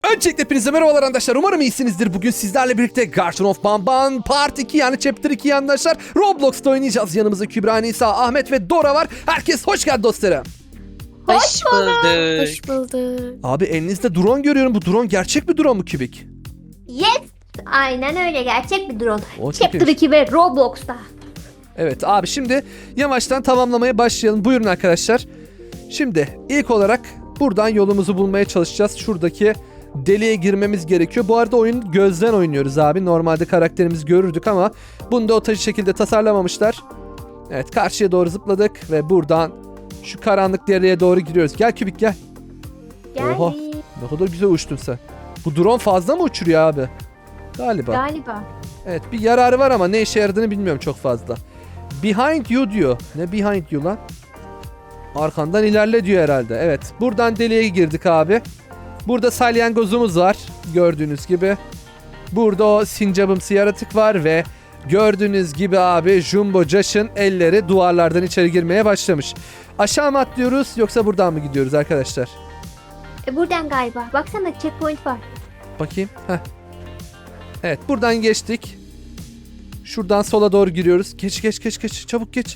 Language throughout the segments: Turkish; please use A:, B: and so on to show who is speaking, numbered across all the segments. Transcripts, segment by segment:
A: Öncelikle hepinize merhabalar arkadaşlar. Umarım iyisinizdir. Bugün sizlerle birlikte Garden of Banban Part 2 yani Chapter 2 arkadaşlar. Roblox'ta oynayacağız. Yanımızda Kübra, Nisa, Ahmet ve Dora var. Herkes hoş geldi dostlarım.
B: Hoş bulduk.
C: Hoş bulduk.
A: Abi elinizde drone görüyorum. Bu drone gerçek bir drone mu Kübik?
B: Yes. Aynen öyle, gerçek bir drone.
A: O çok
B: Chapter
A: iyiymiş.
B: 2 ve Roblox'ta.
A: Evet abi, şimdi yavaştan tamamlamaya başlayalım. Buyurun arkadaşlar. Şimdi ilk olarak buradan yolumuzu bulmaya çalışacağız. Şuradaki deliğe girmemiz gerekiyor. Bu arada oyunu gözden oynuyoruz abi. Normalde karakterimizi görürdük ama bunu da o şekilde tasarlamamışlar. Evet, karşıya doğru zıpladık ve buradan şu karanlık deliğe doğru giriyoruz. Gel Kübik gel.
B: Geldik.
A: Oha. Ne kadar güzel uçtun sen. Bu drone fazla mı uçuruyor abi? Galiba.
B: Galiba.
A: Evet, bir yararı var ama ne işe yaradığını bilmiyorum çok fazla. Behind you diyor. Ne behind you lan? Arkandan ilerle diyor herhalde. Evet, buradan deliğe girdik abi. Burada salyangozumuz var gördüğünüz gibi. Burada o sincabımsı yaratık var ve gördüğünüz gibi abi Jumbo Josh'ın elleri duvarlardan içeri girmeye başlamış. Aşağı mı atlıyoruz yoksa buradan mı gidiyoruz arkadaşlar?
B: Buradan galiba. Baksana, checkpoint var.
A: Bakayım. Heh. Evet, buradan geçtik. Şuradan sola doğru giriyoruz. Geç. Çabuk geç.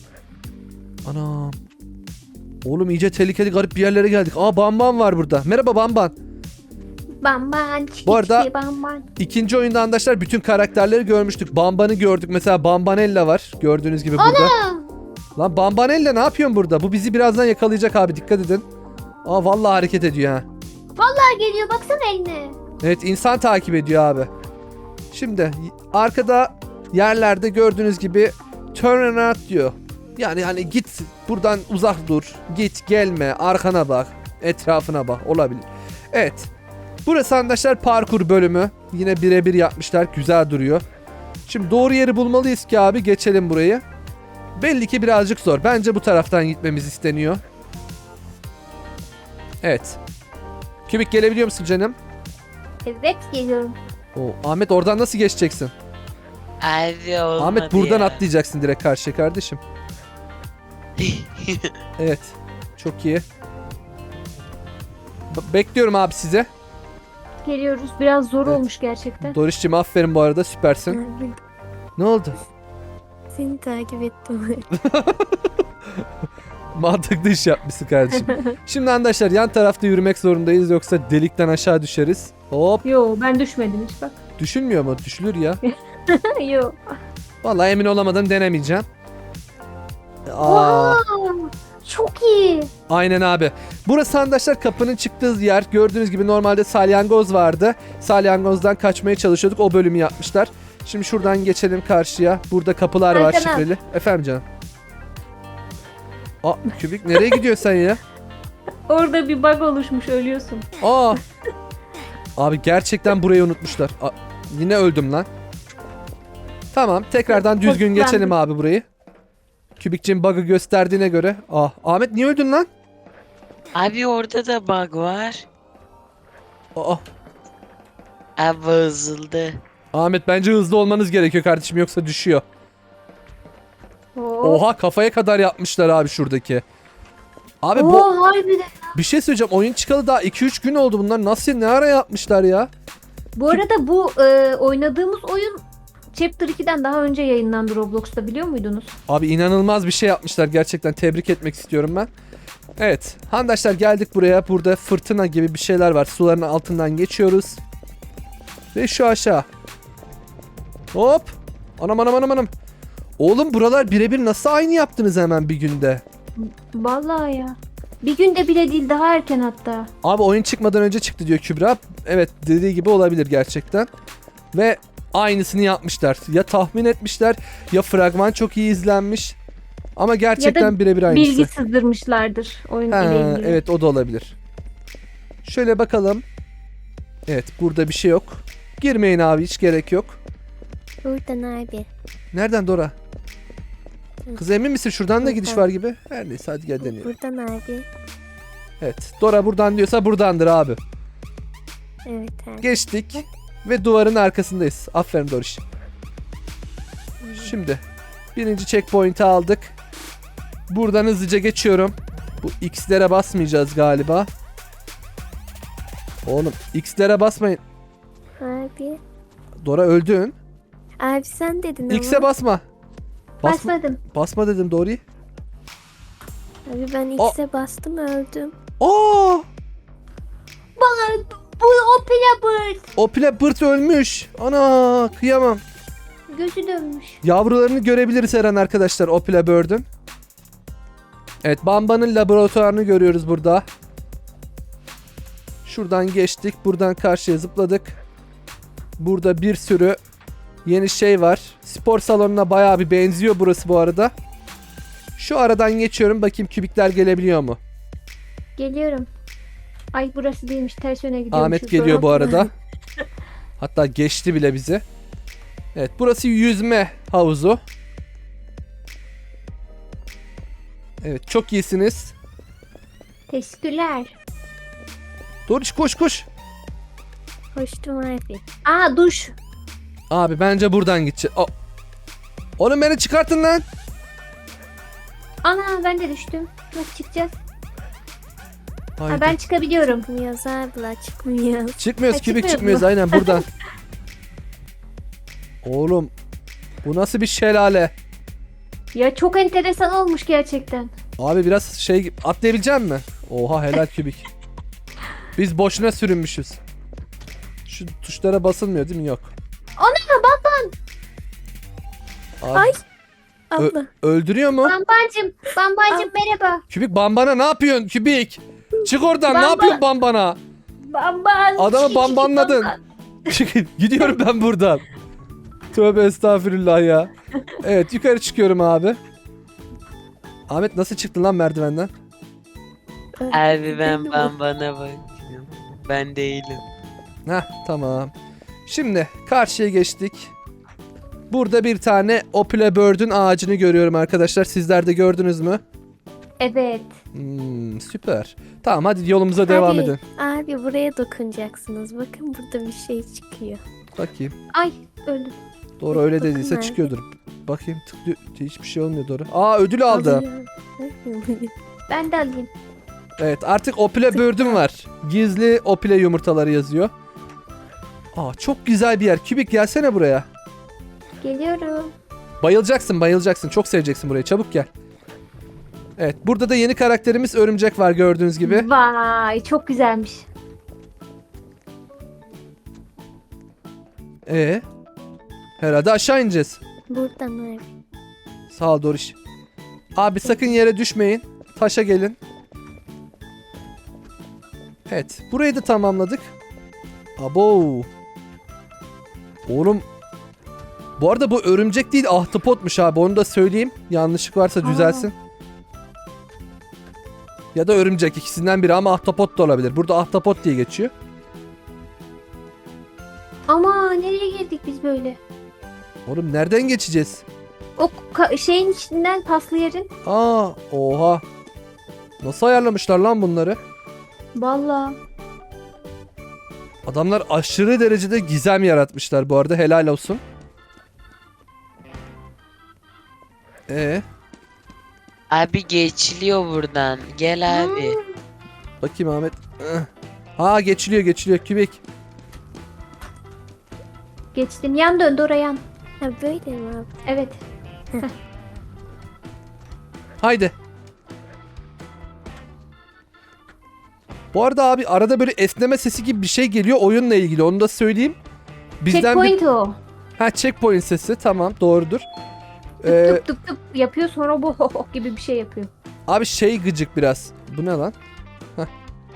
A: Anam. Oğlum iyice tehlikeli garip bir yerlere geldik. Aa, Bamban var burada. Merhaba Bamban.
B: Bamban.
A: Bu arada-
B: Bamban.
A: İkinci oyunda arkadaşlar bütün karakterleri görmüştük. Bamban'ı gördük. Mesela Bambanella var. Gördüğünüz gibi burada. Lan Bambanella ne yapıyorsun burada? Bu bizi birazdan yakalayacak abi, dikkat edin. Aa, vallahi hareket ediyor ha.
B: Geliyor, baksana eline.
A: Evet, insan takip ediyor abi. Şimdi arkada yerlerde gördüğünüz gibi turn around diyor. Yani hani git buradan, uzak dur. Git gelme, arkana bak, etrafına bak, olabilir. Evet. Burası arkadaşlar parkur bölümü. Yine birebir yapmışlar. Güzel duruyor. Şimdi doğru yeri bulmalıyız ki abi geçelim burayı. Belli ki birazcık zor. Bence bu taraftan gitmemiz isteniyor. Evet. Kübik gelebiliyor musun canım?
B: Evet, geliyorum.
A: Oo, Ahmet oradan nasıl geçeceksin?
C: Abi olmadı
A: Ahmet buradan
C: ya.
A: atlayacaksın direkt karşıya kardeşim. Evet. Çok iyi. Bekliyorum abi size.
B: Geliyoruz. Biraz zor
A: Evet.
B: olmuş gerçekten.
A: Doriş'cim aferin bu arada, süpersin.
C: Abi,
A: Ne oldu?
C: seni takip ettim.
A: Mantıklı iş yapmışsın kardeşim. Şimdi arkadaşlar yan tarafta yürümek zorundayız yoksa delikten aşağı düşeriz. Hop.
B: Yo, ben düşmedim hiç bak.
A: Düşünmüyor mu? Düşülür ya.
B: Yo.
A: Vallahi emin olamadan denemeyeceğim. Aa,
B: Wow, çok iyi.
A: aynen abi. Burası arkadaşlar kapının çıktığı yer. Gördüğünüz gibi normalde salyangoz vardı. Salyangozdan kaçmaya çalışıyorduk. O bölümü yapmışlar. Şimdi şuradan geçelim karşıya. Burada kapılar var
B: Arkana.
A: şifreli. Efendim canım. Aa, Kübik nereye gidiyorsun sen ya?
B: Orada bir bug oluşmuş, ölüyorsun.
A: Aa. Abi gerçekten burayı unutmuşlar. Yine öldüm lan. Tamam, tekrardan düzgün
B: Ben-
A: geçelim abi burayı. Kübikçin bug'ı gösterdiğine göre. Ahmet niye öldün lan?
C: Abi orada da bug var.
A: Aa,
C: Abi bozuldu.
A: Ahmet bence hızlı olmanız gerekiyor kardeşim yoksa düşüyor.
B: Oo.
A: Oha, kafaya kadar yapmışlar abi şuradaki. Abi bu
B: Harbiden.
A: bir şey söyleyeceğim, oyun çıkalı daha 2-3 gün oldu, bunlar nasıl, ne ara yapmışlar ya?
B: Bu arada bu oynadığımız oyun Chapter 2'den daha önce yayınlandı Roblox'ta, biliyor muydunuz?
A: Abi inanılmaz bir şey yapmışlar, gerçekten tebrik etmek istiyorum ben. Evet arkadaşlar, geldik buraya. Burada fırtına gibi bir şeyler var, suların altından geçiyoruz. Ve şu aşağı. Hop. Anam. Oğlum buralar birebir nasıl aynı yaptınız hemen bir günde?
B: Vallahi ya. Bir günde bile değil, daha erken hatta.
A: Abi oyun çıkmadan önce çıktı diyor Kübra. Evet, dediği gibi olabilir gerçekten. Ve aynısını yapmışlar. Ya tahmin etmişler ya fragman çok iyi izlenmiş. Ama gerçekten birebir aynısı.
B: Bilgi sızdırmışlardır oyun
A: Ha,
B: ile ilgili.
A: evet, o da olabilir. Şöyle bakalım. Evet, burada bir şey yok. Girmeyin abi, hiç gerek yok.
C: Buradan abi.
A: Nereden Dora? Kız emin misin? Şuradan da gidiş
C: Buradan.
A: var gibi. Her neyse, hadi gel deneyelim.
C: Buradan abi.
A: Evet, Dora buradan diyorsa buradandır abi.
C: Evet abi.
A: Geçtik ve duvarın arkasındayız. Aferin Doriş. Şimdi birinci checkpoint'i aldık. Buradan hızlıca geçiyorum. Bu X'lere basmayacağız galiba. Oğlum X'lere basmayın.
C: Abi.
A: Dora öldün.
C: Abi sen dedin
A: X'e
C: ama.
A: basma. Basma,
B: Basmadım.
A: basma dedim Dory.
C: Abi ben X'e bastım öldüm.
A: Aa!
B: Bu o Pilabır.
A: O Pilabırt ölmüş. Ana kıyamam.
B: Gözü dönmüş.
A: Yavrularını görebiliriz her an arkadaşlar o Pilabird'ün. Evet, Bamba'nın laboratuvarını görüyoruz burada. Şuradan geçtik. Buradan karşıya zıpladık. Burada bir sürü yeni şey var. Spor salonuna bayağı bir benziyor burası bu arada. Şu aradan geçiyorum. Bakayım kübikler gelebiliyor mu?
B: Geliyorum. Ay burası değilmiş. Ters yöne gidiyormuşuz.
A: Ahmet geliyor bu arada. Hatta geçti bile bizi. Evet, burası yüzme havuzu. Evet, çok iyisiniz.
B: Teşekkürler.
A: Doğru, koş koş.
C: Hoştum abi.
B: Aa duş.
A: Abi bence buradan gideceğiz. Oğlum beni çıkartın lan.
B: Ana ben de düştüm. Nasıl çıkacağız?
A: Haydi.
B: Ha, ben çıkabiliyorum.
C: Çıkmıyoruz abiler çıkmıyor.
A: Çıkmıyoruz,
B: Ha,
A: kübik
B: çıkmıyoruz
A: çıkmıyoruz
B: mu?
A: aynen buradan. Oğlum bu nasıl bir şelale?
B: Ya çok enteresan olmuş gerçekten.
A: Abi biraz şey atlayabilecek mi? Oha helal kübik. Biz boşuna sürünmüşüz. Şu tuşlara basılmıyor değil mi? Yok.
B: Ana bak
A: Abi,
C: Ay. Abla.
A: öldürüyor mu?
B: Bambancım. Bambancım merhaba.
A: Kübik Bambana ne yapıyorsun kübik? Çık oradan, ne
B: Bamba-
A: yapıyorsun Bambana?
B: Bamban.
A: Adamı bambanladın. Gidiyorum ben buradan. Tövbe estağfurullah ya. Evet, yukarı çıkıyorum abi. Ahmet nasıl çıktın lan merdivenden?
C: Bana Abi bak. bakıyorum. Ben değilim.
A: Heh, tamam. Şimdi karşıya geçtik. Burada bir tane Opila Bird'ün ağacını görüyorum arkadaşlar. Sizler de gördünüz mü?
B: Evet.
A: Süper. Tamam, hadi yolumuza devam edin.
C: Abi buraya dokunacaksınız. Bakın burada bir şey çıkıyor.
A: Bakayım.
B: Ay öldüm.
A: Doğru, öyle
C: Bakın
A: dediyse
C: nerede?
A: çıkıyordur. Bakayım, tıklıyor. Hiçbir şey olmuyor Doğru. Aa, ödül aldı.
B: Ben de alayım.
A: Evet, artık Opila Bird'üm var. Gizli Opila yumurtaları yazıyor. Aa, çok güzel bir yer. Kübik gelsene buraya.
B: Geliyorum.
A: Bayılacaksın, bayılacaksın. Çok seveceksin burayı. Çabuk gel. Evet, burada da yeni karakterimiz Örümcek var gördüğünüz gibi.
B: Vay çok güzelmiş.
A: Herhalde aşağı ineceğiz.
C: Buradan abi.
A: Sağ ol Doriş. Abi sakın yere düşmeyin. Taşa gelin. Evet, burayı da tamamladık. Abo. Oğlum. Bu arada bu örümcek değil, ahtapotmuş abi. Onu da söyleyeyim. Yanlışlık varsa düzelsin. Ya da örümcek, ikisinden biri, ama ahtapot da olabilir. Burada ahtapot diye geçiyor.
B: Ama nereye girdik biz böyle?
A: Oğlum nereden geçeceğiz?
B: O şeyin içinden paslı yerin.
A: Aa, oha. Nasıl ayarlamışlar lan bunları?
B: Vallahi.
A: Adamlar aşırı derecede gizem yaratmışlar bu arada, helal olsun.
C: Abi geçiliyor buradan. Gel abi.
A: Bakayım Ahmet. Ha, geçiliyor kübik.
B: Geçtim. Yan döndü oraya yan.
C: Ha böyle mi abi?
B: Evet.
A: Haydi. Bu arada abi arada böyle esneme sesi gibi bir şey geliyor oyunla ilgili, onu da söyleyeyim. Bizden
B: Checkpoint o.
A: checkpoint sesi, tamam, doğrudur.
B: Tıp tıp tıp yapıyor sonra bu ho ho gibi bir şey yapıyor.
A: Abi şey gıcık biraz. Bu ne lan? Heh.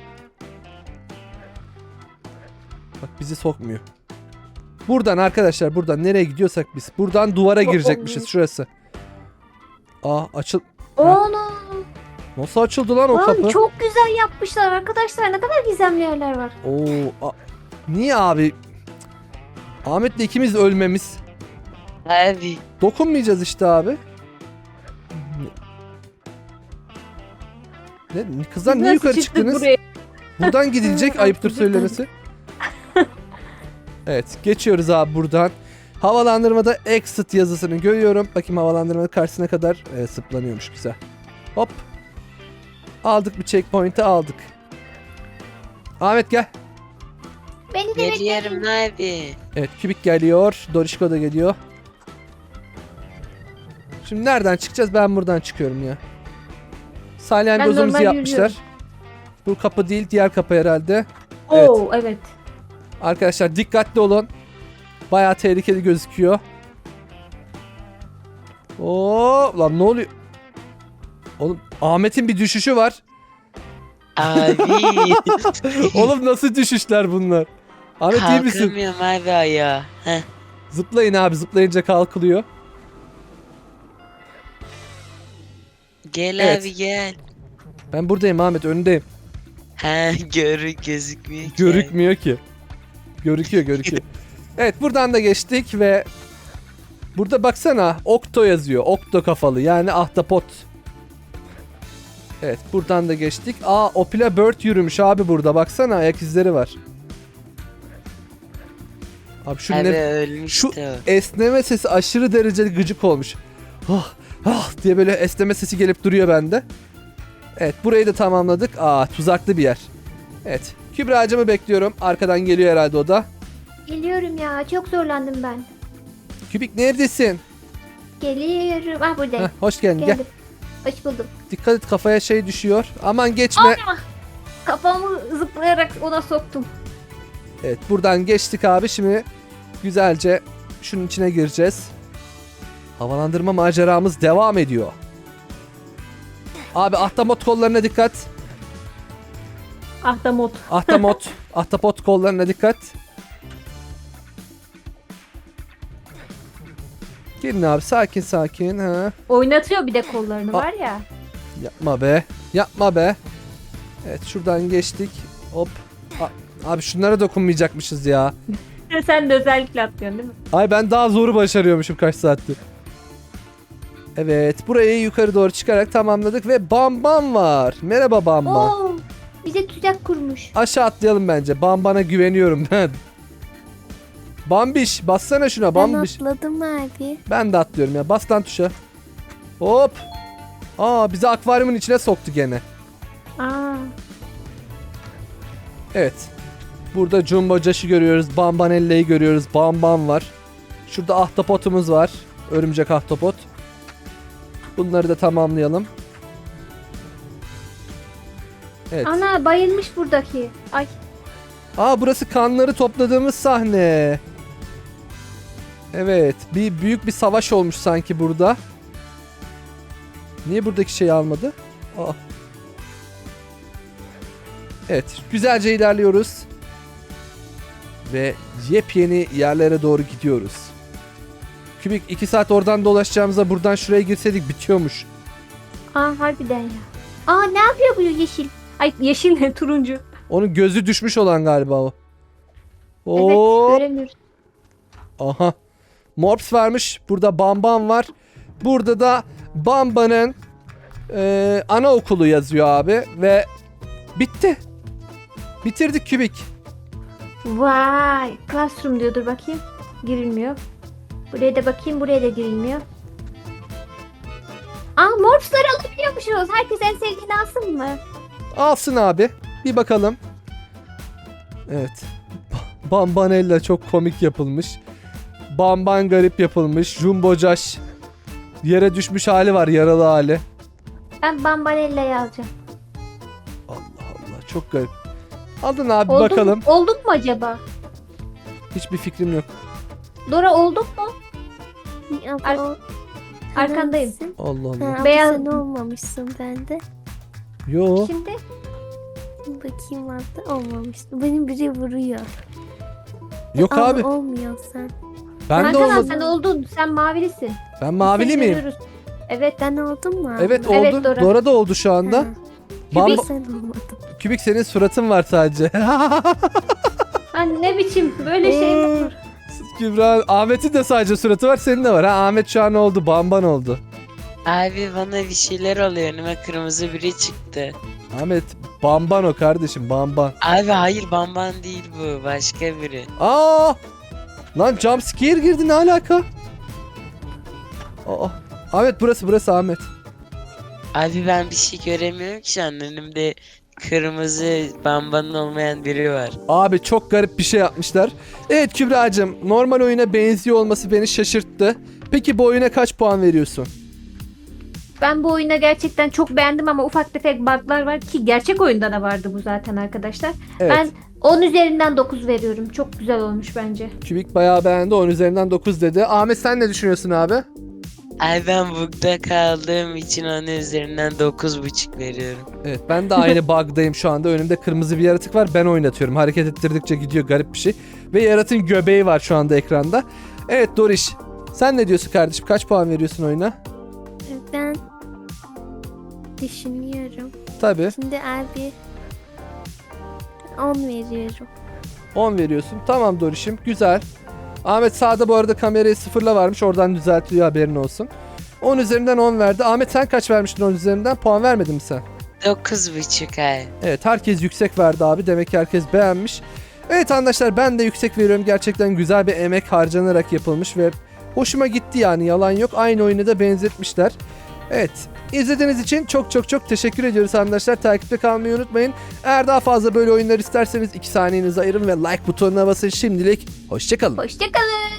A: Bak bizi sokmuyor. Buradan arkadaşlar, buradan nereye gidiyorsak biz. Buradan duvara girecekmişiz, şurası. Aa, açıl.
B: Onu.
A: Nasıl açıldı lan o
B: Lan
A: kapı?
B: çok güzel yapmışlar arkadaşlar. Ne kadar gizemli yerler var.
A: Niye abi? Ahmet'le ikimiz ölmemiz.
C: Abi.
A: Dokunmayacağız işte abi. Kızlar niye
B: Nasıl
A: yukarı
B: çıktık
A: çıktınız?
B: buraya?
A: Buradan gidilecek, ayıptır söylemesi. Evet, geçiyoruz abi buradan. Havalandırmada exit yazısını görüyorum. Bakayım havalandırmanın karşısına kadar zıplanıyormuş, güzel. Hop. Aldık bir checkpoint'i aldık. Ahmet gel.
B: Beni de
D: Geliyorum
B: bekleyin.
D: abi.
A: Evet Kübik geliyor. Dorişko da geliyor. Şimdi nereden çıkacağız? Ben buradan çıkıyorum ya. Salyangozumuzu
B: normal
A: yapmışlar.
B: yürüyorum.
A: Bu kapı değil, diğer kapı herhalde. Evet.
B: Oo evet.
A: Arkadaşlar dikkatli olun. Bayağı tehlikeli gözüküyor. Oo, lan ne oluyor? Oğlum Ahmet'in bir düşüşü var.
D: Abi.
A: Oğlum nasıl düşüşler bunlar? Ahmet iyi misin?
D: Kalkamıyorum abi ayağa. Heh.
A: Zıplayın abi, zıplayınca kalkılıyor.
D: Gel
A: Evet.
D: abi gel.
A: Ben buradayım Ahmet, önündeyim.
D: He gözükmüyor ki.
A: Görükmüyor ki. Görüküyor. Evet buradan da geçtik ve burada baksana Okto yazıyor. Okto kafalı yani ahtapot. Evet buradan da geçtik. Aa Opila Bird yürümüş abi burada. Baksana ayak izleri var. Abi şu,
D: Abi
A: şu
D: ölmüştü.
A: esneme sesi aşırı derecede gıcık olmuş. Ah, diye böyle esneme sesi gelip duruyor bende. Evet burayı da tamamladık. Aa tuzaklı bir yer. Evet Kübra'cığımı bekliyorum. Arkadan geliyor herhalde o da.
B: Geliyorum ya. Çok zorlandım ben.
A: Kübik neredesin?
B: Geliyorum. Ah buradayım.
A: Heh, hoş geldin gel.
B: Geldim. Hoş buldum.
A: Dikkat et kafaya şey düşüyor. Aman geçme.
B: Kafamı zıplayarak ona soktum.
A: Evet buradan geçtik abi. Şimdi güzelce şunun içine gireceğiz. Havalandırma maceramız devam ediyor. Abi ahtapot kollarına dikkat.
B: Ahtapot.
A: Ahtapot kollarına dikkat. Gelin abi sakin. Ha.
B: Oynatıyor bir de kollarını var ya.
A: Yapma be. Evet şuradan geçtik. Hop. Abi şunlara dokunmayacakmışız ya.
B: Sen de özellikle atlıyorsun değil mi?
A: Ay ben daha zoru başarıyormuşum kaç saattir. Evet burayı yukarı doğru çıkarak tamamladık ve Bam Bam var. Merhaba Bam Bam.
B: Oo, bize tuzak kurmuş.
A: Aşağı atlayalım bence. Bam Bam'a güveniyorum ben. Bambiş bassana şuna
C: Ben
A: Bambiş.
C: atladım abi.
A: Ben de atlıyorum ya. Bas lan tuşa. Hop. Aa bizi akvaryumun içine soktu gene.
B: Aa,
A: Evet. Burada Jumbo Josh'u görüyoruz. Bambanella'yı görüyoruz. Bam Bam var. Şurada ahtapotumuz var. Örümcek ahtapot. Bunları da tamamlayalım. Evet.
B: ana bayılmış buradaki. Ay,
A: Aa burası kanları topladığımız sahne. Evet. Büyük bir savaş olmuş sanki burada. Niye buradaki şeyi almadı? Aa. Evet. Güzelce ilerliyoruz. Ve yepyeni yerlere doğru gidiyoruz. Kübik 2 saat oradan dolaşacağımıza buradan şuraya girseydik bitiyormuş.
B: harbiden ya. Aa, ne yapıyor bu yeşil? Ay, yeşil ne? Turuncu.
A: Onun gözü düşmüş olan galiba o.
B: Evet,
A: Oo.
B: göremiyoruz.
A: Aha. Morps varmış. Burada Bamban var. Burada da Bamba'nın anaokulu yazıyor abi. Ve bitti. Bitirdik Kübik.
B: Vay, classroom diyordur bakayım. Girilmiyor. Buraya da bakayım, buraya da girilmiyor. Aa, morphsları alabiliyormuşuz. Herkes en sevdiğini alsın mı?
A: Alsın abi. Bir bakalım. Evet. Bambanella çok komik yapılmış. Bamban garip yapılmış. Jumbo Josh. Yere düşmüş hali var. Yaralı hali.
B: Ben Bambanella'yı alacağım.
A: Allah Allah. Çok garip. Aldın abi
B: Olduk,
A: bakalım.
B: Olduk mu acaba?
A: Hiçbir fikrim yok.
B: Dora olduk mu?
C: Abla,
B: Ar-
C: o-
B: Arkandayım.
C: Hangisi?
A: Allah
C: Ha,
A: Allah.
C: abla
B: Beyaz-
C: sen olmamışsın bende.
A: Yo.
B: Şimdi
C: Bakayım abla olmamıştı. Benim biri vuruyor.
A: Yok
C: Abla
A: abi.
C: olmuyor sen.
A: Ben de
B: Hakan abi,
A: olmadım.
B: sen oldun. Sen mavilisin.
A: Ben mavili
B: Seni
A: miyim?
B: görüyoruz. Evet.
C: Ben oldum mu abla?
A: Evet oldu.
B: Evet, Dora.
A: Dora da oldu şu anda.
C: Ha,
A: Bamba-
C: sen olmadın.
A: Kübik senin suratın var sadece.
B: Ha, ne biçim böyle şey mi olur?
A: Kübra, Ahmet'in de sadece suratı var, senin de var. Ha Ahmet şu an oldu, Bamban oldu.
D: Abi bana bir şeyler oluyor. Önüme kırmızı biri çıktı.
A: Ahmet Bamban o kardeşim, Bamban.
D: Abi hayır Bamban değil bu. Başka biri.
A: Aa! Lan jumpscare girdi, ne alaka? Aa. Ahmet burası Ahmet.
D: Abi ben bir şey göremiyorum ki şu an önümde kırmızı bambanın olmayan biri var.
A: Abi çok garip bir şey yapmışlar. Evet Kübra'cığım, normal oyuna benziyor olması beni şaşırttı. Peki bu oyuna kaç puan veriyorsun?
B: Ben bu oyunu gerçekten çok beğendim ama ufak tefek bug'lar var ki gerçek oyunda da vardı bu zaten arkadaşlar.
A: Evet.
B: Ben 10 üzerinden 9 veriyorum. Çok güzel olmuş bence.
A: Kübik bayağı beğendi, 10 üzerinden 9 dedi. Ahmet sen ne düşünüyorsun abi?
D: Ay ben bug'da kaldığım için onun üzerinden 9,5 veriyorum.
A: Evet, ben de aynı bug'dayım şu anda. Önümde kırmızı bir yaratık var, ben oynatıyorum. Hareket ettirdikçe gidiyor, garip bir şey. Ve yaratığın göbeği var şu anda ekranda. Evet Doriş, sen ne diyorsun kardeşim? Kaç puan veriyorsun oyuna?
C: Ben düşünüyorum.
A: Tabii
C: Şimdi abi 10 veriyorum.
A: 10 veriyorsun. Tamam Doriş'im, güzel. Ahmet sağda bu arada kamerayı sıfırla varmış, oradan düzeltiyor, haberin olsun. 10 üzerinden 10 verdi. Ahmet sen kaç vermiştin 10 üzerinden? Puan vermedin mi sen?
D: 9,5 ay.
A: Evet, herkes yüksek verdi abi. Demek ki herkes beğenmiş. Evet arkadaşlar, ben de yüksek veriyorum. Gerçekten güzel bir emek harcanarak yapılmış ve hoşuma gitti yani, yalan yok. Aynı oyunu da benzetmişler. Evet, izlediğiniz için çok çok çok teşekkür ediyoruz arkadaşlar. Takipte kalmayı unutmayın. Eğer daha fazla böyle oyunlar isterseniz 2 saniyenizi ayırın ve like butonuna basın. Şimdilik hoşçakalın.
B: Hoşçakalın.